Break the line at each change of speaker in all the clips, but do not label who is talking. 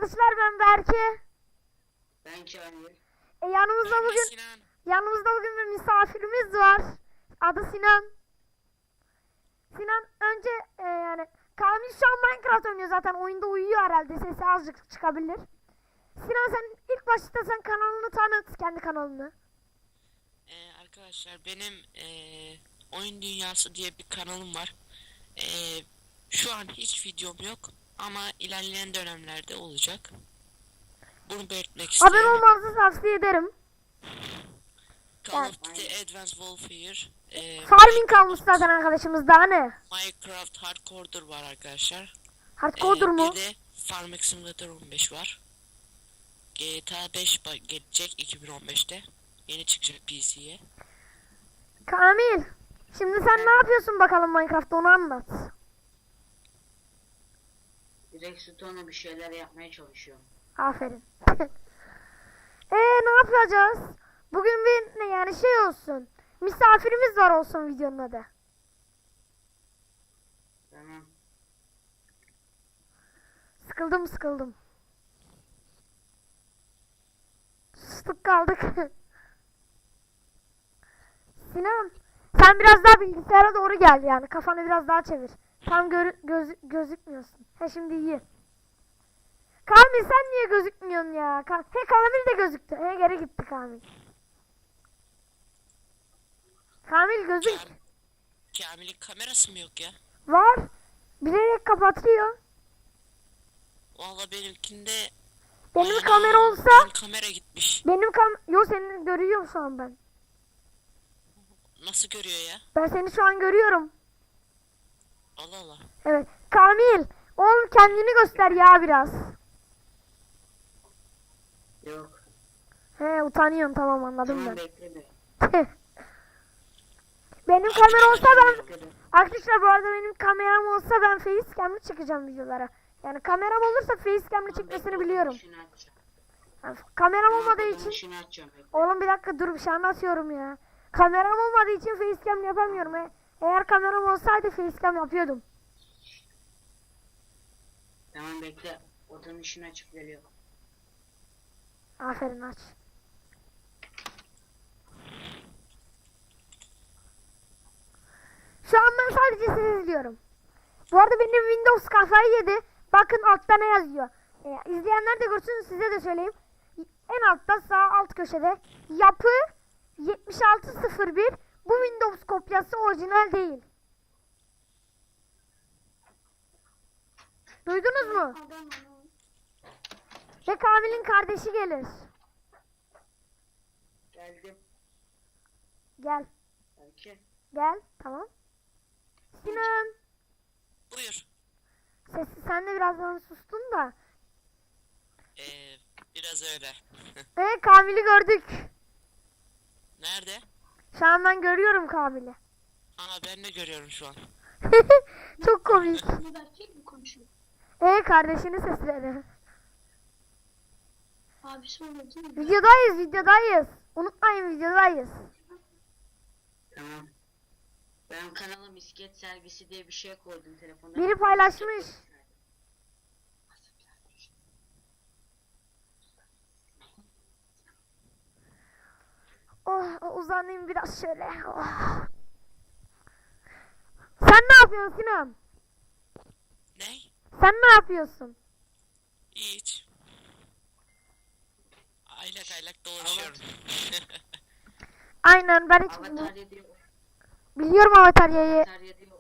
arkadaşlar, ben Berke.
Ben Kamil.
Yanımızda bugün bir misafirimiz var. Adı Sinan. Sinan önce yani Kamil şu an Minecraft oynuyor, zaten oyunda uyuyor herhalde, sesi azıcık çıkabilir. Sinan, sen ilk başta sen kanalını tanıt, kendi kanalını.
Arkadaşlar benim Oyun Dünyası diye bir kanalım var. Şu an hiç videom yok ama ilerleyen dönemlerde olacak. Bunu belirtmek isterim.
Abone olmanızı tavsiye ederim.
Call of Duty Advanced Warfare,
Farming kalmış zaten arkadaşımız, daha ne?
Minecraft Hardcore'dur var arkadaşlar.
Hardcore'dur mu?
Bir de Farming Simulator 15 var. GTA 5 gelecek 2015'te. Yeni çıkacak PC'ye.
Kamil, şimdi sen ne yapıyorsun bakalım Minecraft'ta, onu anlat.
Redstone'la bir şeyler yapmaya çalışıyorum.
Aferin. Ne yapacağız? Bugün bir ne yani şey olsun. Misafirimiz var olsun videonun adı.
Tamam.
Sıkıldım. Sustuk kaldık. Sinan, sen biraz daha bilgisayara doğru gel, yani kafanı biraz daha çevir. Tam gözükmüyorsun. He, şimdi iyi. Kamil, sen niye gözükmüyorsun ya? Kamil de gözüktü. Geri gitti Kamil. Kamil gözük.
Kamil'in kamerası mı yok ya?
Var. Bilerek kapatıyor.
Vallahi benimkinde
Benim kamera olsa.
benim kamera gitmiş.
Yo, seni görüyorum şu an ben.
Nasıl görüyor ya?
Ben seni şu an görüyorum.
Allah Allah.
Evet. Kamil, oğlum kendini göster ya biraz.
Yok.
Utanıyorum, tamam, anladım
Tamam,
ben.
bekleme.
Benim kamera olsa ben...
Bekle.
Arkadaşlar, bu arada benim kameram olsa ben facecam'lı çıkacağım videolara. Yani kameram olursa facecam'lı çıkmasını biliyorum. Yani kameram olmadığı için... Oğlum bir dakika dur, bir şey anlatıyorum ya. Kameram olmadığı için facecam yapamıyorum. Eğer kameram olsaydı facecam yapıyordum.
Tamam, bekle. Odanın ışığını açıp geliyor.
Aferin, aç. Şu an ben sadece sizi izliyorum. Bu arada benim Windows kafayı yedi. Bakın altta ne yazıyor. İzleyenler de görsün, size de söyleyeyim. En altta sağ alt köşede yapı 7601. Bu Windows kopyası, orijinal değil. Duydunuz mu? Ve Kamil'in kardeşi gelir.
Geldim.
Gel.
Belki.
Gel. Tamam. Sinan.
Buyur.
Sen de birazdan sustun da.
Biraz öyle.
Kamil'i gördük.
Nerede?
Şu an ben görüyorum Kamil'i.
Aa, ben de görüyorum şu an.
Çok komik.
Berkek mi konuşuyor?
Kardeşini sesledi.
Abi sonra değil mi?
Videodayız. Unutmayın, videodayız.
Tamam. Ben kanala misket sergisi diye bir şey koydum telefonda.
Biri paylaşmış. Uzanayım biraz şöyle. Sen ne yapıyorsun Sinan?
Ne?
Sen ne yapıyorsun?
Hiç. Aylak dolaşıyorum.
Aynen, ben hiç
Avatar diyor.
biliyorum Avatarya'yı.
Avatar diyor.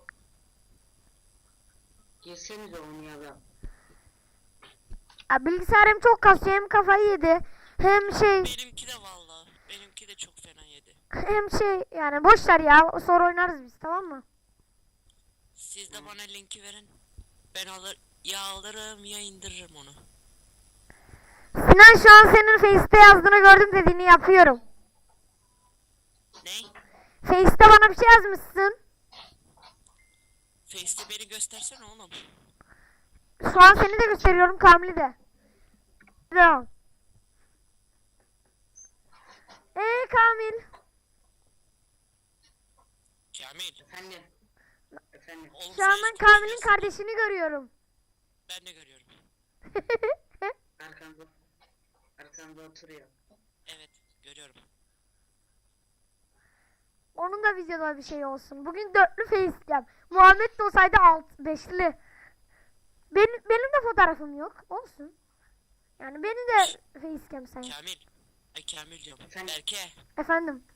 Girsenize oynayalım.
Bilgisayarım çok kasıyor, hem kafayı yedi. Hem
Benimki de vallahi. Benimki de çok fena yedi.
yani boş ver ya, sonra oynarız biz, tamam mı?
Siz de bana linki verin. Ben alırım ya indiririm onu.
Sinan, şu an senin Face'te yazdığını gördüm, dediğini yapıyorum.
Ne?
Face'te bana bir şey yazmışsın.
Face'te beni göstersene oğlum.
Şu an seni de gösteriyorum, Kamil'i de. Devam. Kamil.
Kamil.
Efendim.
Oğlum
Şu an
sen
ben
hiç
Kamil'in
konuşmuyorsun.
kardeşini görüyorum.
Ben de görüyorum.
arkamda oturuyor.
Evet görüyorum.
Onun da videoda bir şey olsun. Bugün dörtlü facecam. Muhammed de olsaydı beşli. Benim de fotoğrafım yok. Olsun. Yani beni de facecam sen.
Kamil. Ay Kamil diyorum.
Efendim?
Berke.
Efendim.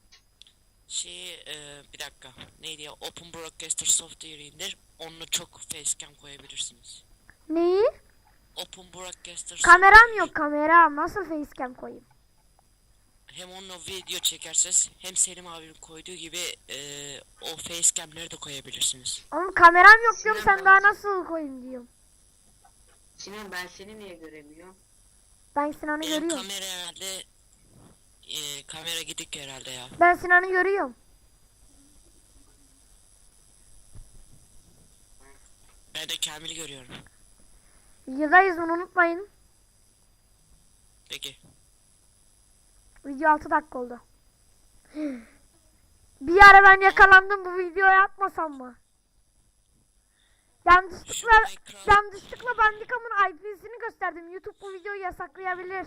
Bir dakika. Neydi ya? Open Broadcaster Software indir. Onunla çok facecam koyabilirsiniz.
Neyi?
Open Broadcaster
Kameram
Software.
yok, kameram. Nasıl facecam koyayım?
Hem onunla video çekerseniz hem Selim abinin koyduğu gibi o facecam'leri de koyabilirsiniz.
Oğlum kameram yok diyorum,
Sinan
sen daha
ben-
nasıl koyayım diyorum.
Sinan ben seni niye göremiyorum?
Ben Sinan'ı
Benim
görüyorum.
kamera herhalde kamera gidik herhalde ya.
Ben Sinan'ı görüyorum.
Ben de Kamil'i görüyorum.
Videodayız, bunu unutmayın.
Peki.
Video 6 dakika oldu. Bir ara ben yakalandım, bu videoyu atmasam mı?
Şu
Yanlışlıkla Bandicam'ın IP'sini gösterdim. YouTube bu videoyu yasaklayabilir.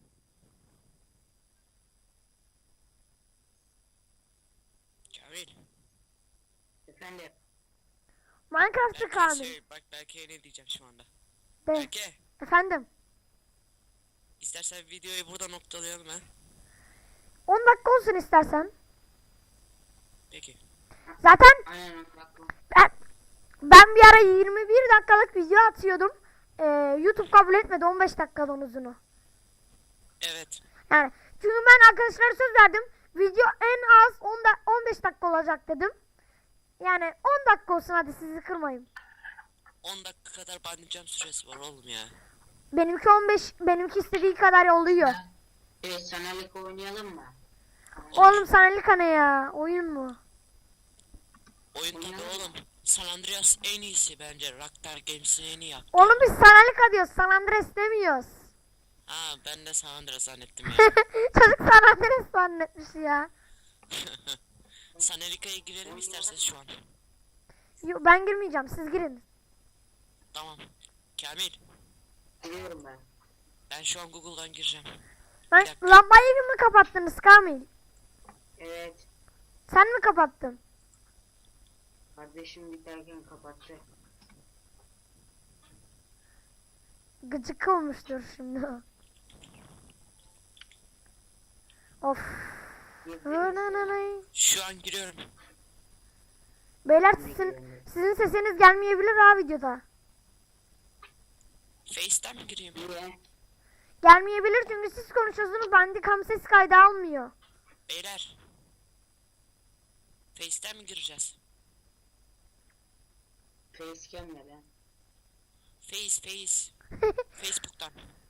Kamil.
Efendim.
Minecraft'ı
Berke
Kamil.
bak Berke'ye ne diyeceğim şu anda.
De.
Berke.
Efendim.
İstersen videoyu burada noktalayalım ha.
10 dakika olsun istersen.
Peki.
Zaten
Aynen bak.
ben bir ara 21 dakikalık video atıyordum. YouTube kabul etmedi 15 dakikadan uzunu.
Evet.
Yani çünkü ben arkadaşlara söz verdim. Video en az 15 dakika olacak dedim. Yani 10 dakika olsun, hadi sizi kırmayın.
10 dakika kadar bandicam süresi var oğlum ya.
Benimki 15, benimki istediği kadar oluyor.
Sanalık oynayalım mı?
Oğlum senelik ne ya? Oyun mu?
Oyun tabi oğlum. San Andreas en iyisi bence. Rockstar Games'in en iyi yaptı.
Oğlum biz senelik diyoruz. San Andreas demiyoruz.
Ha ben de San Andreas zannettim ya.
Çocuk San Andreas zannetmiş ya.
Sanelika'ya girelim isterseniz şu an.
Yo, ben girmeyeceğim, siz girin.
Tamam. Kamil.
Biliyorum ben.
Ben şu an Google'dan gireceğim.
Lan,
Bir dakika.
lambayı mı kapattınız Kamil?
Evet.
Sen mi kapattın?
Kardeşim biterken kapattı.
Gıcık olmuştur şimdi. Of.
Şu an giriyorum.
Beyler sizin sesiniz gelmeyebilir ha videoda.
Face'ten mi gireyim?
Niye?
Gelmeyebilir çünkü siz konuşuyorsunuz, Bandicam ses kaydı almıyor.
Beyler. Face'ten mi gireceğiz?
Facecam ne lan?
Face. Facebook'tan.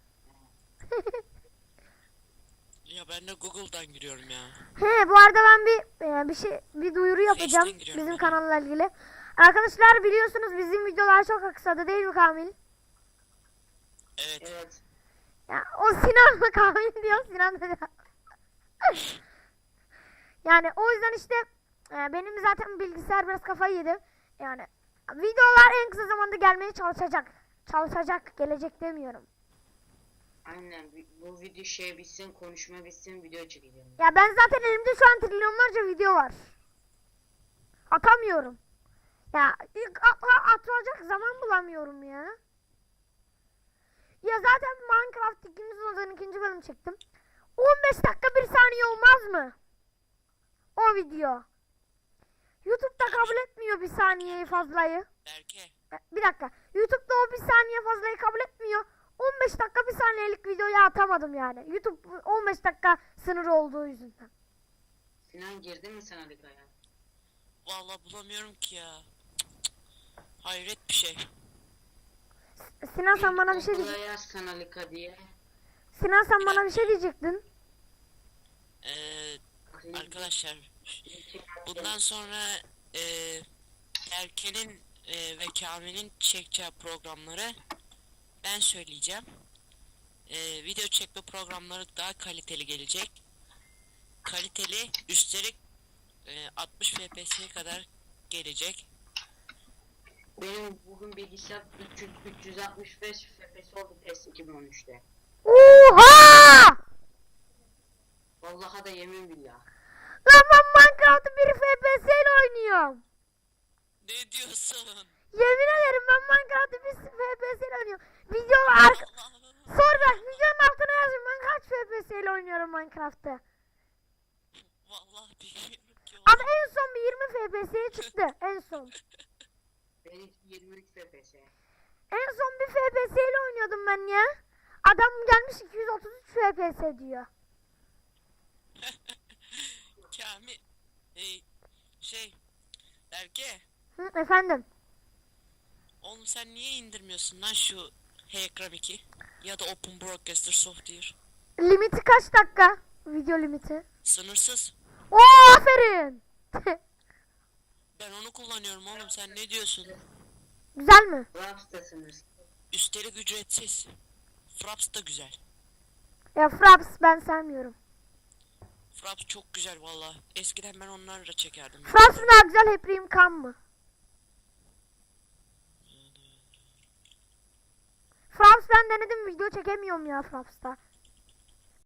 Ya ben de Google'dan giriyorum ya.
He, bu arada ben bir duyuru yapacağım
Face'ten giriyorum
bizim
ben.
kanalla ilgili. Arkadaşlar biliyorsunuz bizim videolar çok kısadı değil mi Kamil?
Evet.
Evet.
Ya o Sinan mı Kamil diyor, Sinan da. Yani o yüzden işte benim zaten bilgisayar biraz kafayı yedi. Yani videolar en kısa zamanda gelmeye çalışacak. Çalışacak, gelecek demiyorum.
Aynen bu video şey bitsin, konuşma bitsin, video çekeceğim.
Ya ben zaten elimde şu an trilyonlarca video var. Atamıyorum. Ya atılacak zaman bulamıyorum ya. Ya zaten Minecraft ikimiz odanın 2. bölüm çektim. 15 dakika 1 saniye olmaz mı? O video. YouTube'da kabul etmiyor 1 saniyeyi fazlayı.
Berke.
Bir dakika. YouTube'da o 1 saniye fazlayı kabul etmiyor. 15 dakika 1 saniyelik videoyu atamadım yani. YouTube 15 dakika sınırı olduğu yüzünden.
Sinan girdi mi Sanalıka'ya?
Vallahi bulamıyorum ki ya. Hayret bir şey.
Sinan sen bana bir şey
Google'a
diyecektin.
yaz Sanalıka diye.
Sinan sen bana bir şey diyecektin.
Arkadaşlar bundan sonra Berke'nin ve Kamil'in çekeceği programları ben söyleyeceğim. Video çekme programları daha kaliteli gelecek. Kaliteli, üstelik 60 FPS'ye kadar gelecek.
Benim bugün bilgisayar 365 FPS oldu PES 2013'te.
Oha!
Vallahi da yemin billah.
Lan ben Minecraft'ı 1 FPS ile oynuyorum.
Ne diyorsun?
Yemin ederim ben Minecraft'ı 1 FPS ile oynuyorum. Videolar
Allah'ım.
sor bak videonun altına yazın ben kaç FPS ile oynuyorum Minecraft'ı.
Vallahi bilmiyorum ki.
Ama en son bir 20 FPS'ye çıktı en son.
Benimki 23 FPS.
En son bir FPS ile oynuyordum ben ya. Adam gelmiş 233 FPS diyor.
Kamil. Şey. Berke.
Hı, efendim.
Oğlum sen niye indirmiyorsun lan şu H-Ekran 2? Ya da Open Broadcaster Software.
Limiti kaç dakika? Video limiti.
Sınırsız.
Oo aferin.
Ben onu kullanıyorum oğlum, sen ne diyorsun?
Güzel mi?
Raps'tasınız.
Üstelik ücretsiz. Fraps da güzel.
Ya Fraps ben sevmiyorum.
Fraps çok güzel valla. Eskiden ben onlarla çekerdim.
Fraps mı daha güzel Heprim Kan mı? Fraps ben denedim video çekemiyorum ya Fraps'ta.